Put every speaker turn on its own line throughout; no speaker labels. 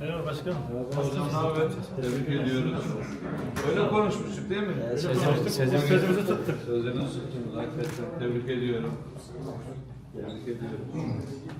Merhaba başkanım.
Hocam ne haber? Tebrik ediyoruz. Öyle konuşmuştuk değil mi?
Sözümüzü tuttuk.
Sözünüzü tuttunuz. Hakikaten tebrik ediyorum. Tebrik ediyorum.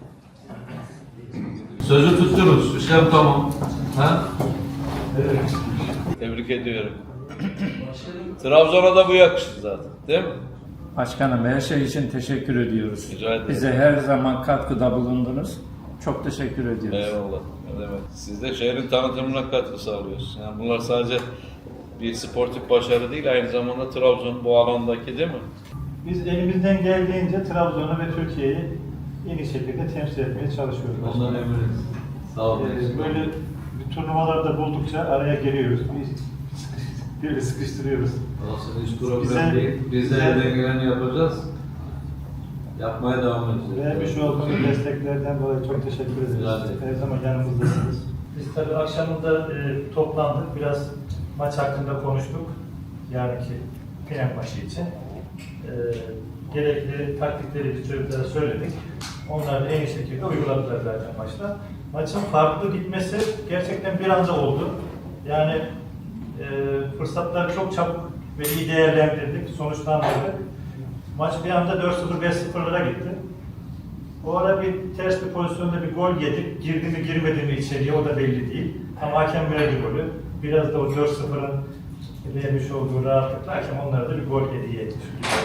Sözü tuttunuz. İşlem tamam. Ha?
Evet.
Tebrik ediyorum. Trabzon'a da bu yakıştı zaten. Değil mi?
Başkanım her şey için teşekkür ediyoruz.
Rica ederim.
Bize her zaman katkıda bulundunuz. Çok teşekkür ediyoruz.
Eyvallah. Ne demek. Siz de şehrin tanıtımına katkı sağlıyorsunuz. Yani bunlar sadece bir sportif başarı değil, aynı zamanda Trabzon bu alandaki değil mi?
Biz elimizden geldiğince Trabzon'u ve Türkiye'yi en iyi şekilde temsil etmeye çalışıyoruz.
Ondan eminiz. Sağ olun.
Böyle bir turnuvalarda buldukça araya giriyoruz. Böyle sıkıştırıyoruz.
Olsun, hiç problem değil. Biz de elden geleni yapacağız. Yapmaya devam edeceğiz.
Vermiş olduğunuz desteklerden dolayı çok teşekkür ederiz.
Güzel.
Her zaman yanımızdasınız. Biz tabii akşamında toplandık. Biraz maç hakkında konuştuk. Yarınki final maçı için. Gerekli taktikleri biz çocuklara söyledik. Onlar da en iyi şekilde uyguladılar zaten maçta. Maçın farklı gitmesi gerçekten bir anda oldu. Yani fırsatları çok çabuk ve iyi değerlendirdik, sonuçlandırdık. Maç bir anda 4-0, 5-0'lara gitti. O ara bir ters bir pozisyonda bir gol yedik. Girdi mi girmedi mi içeriye o da belli değil. Ama hakem verdi golü. Biraz da o 4-0'ın vermiş olduğu rahatlıkla hakem onlara da bir gol hediye etmiş.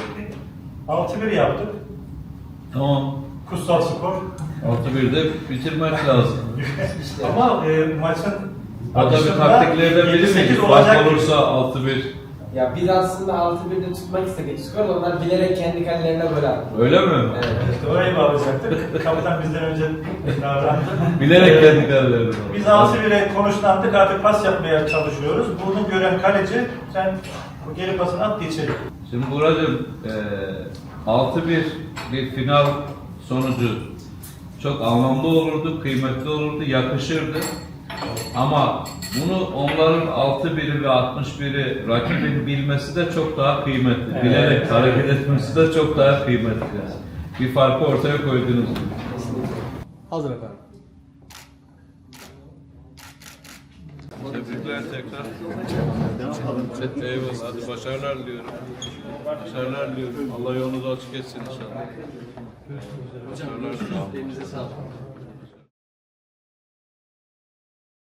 6-1 yaptık.
Tamam.
Kutsal skor.
6-1'de bitirmek lazım.
Ama maçın
O da bir taktiklerden biri mi? Fark olursa 6-1.
Ya biz aslında 6-1'de tutmak istedik skoru, onlar bilerek kendi kalelerine gol attı.
Öyle mi?
Evet.
İşte orayı bağlayacaktık. Kaptan bizden önce davrandı.
Bilerek kendi kararlarını.
Biz 6-1'e konuşlandık, artık pas yapmaya çalışıyoruz. Bunu gören kaleci, sen bu geri pasını at içeri.
Şimdi Buracığım, 6-1 bir final sonucu çok anlamlı olurdu, kıymetli olurdu, yakışırdı. Ama bunu onların 6-1'i ve 61'i rakibin bilmesi de çok daha kıymetli.
Evet.
Bilerek hareket etmesi de çok daha kıymetli. Bir farkı ortaya koydunuz.
Hazır efendim.
Tebrikler tekrar. Eyvallah. Hadi başarılar diliyorum. Başarılar diliyorum. Allah yolunuzu açık etsin inşallah. Başarılar diliyorum.
Elinize sağlık.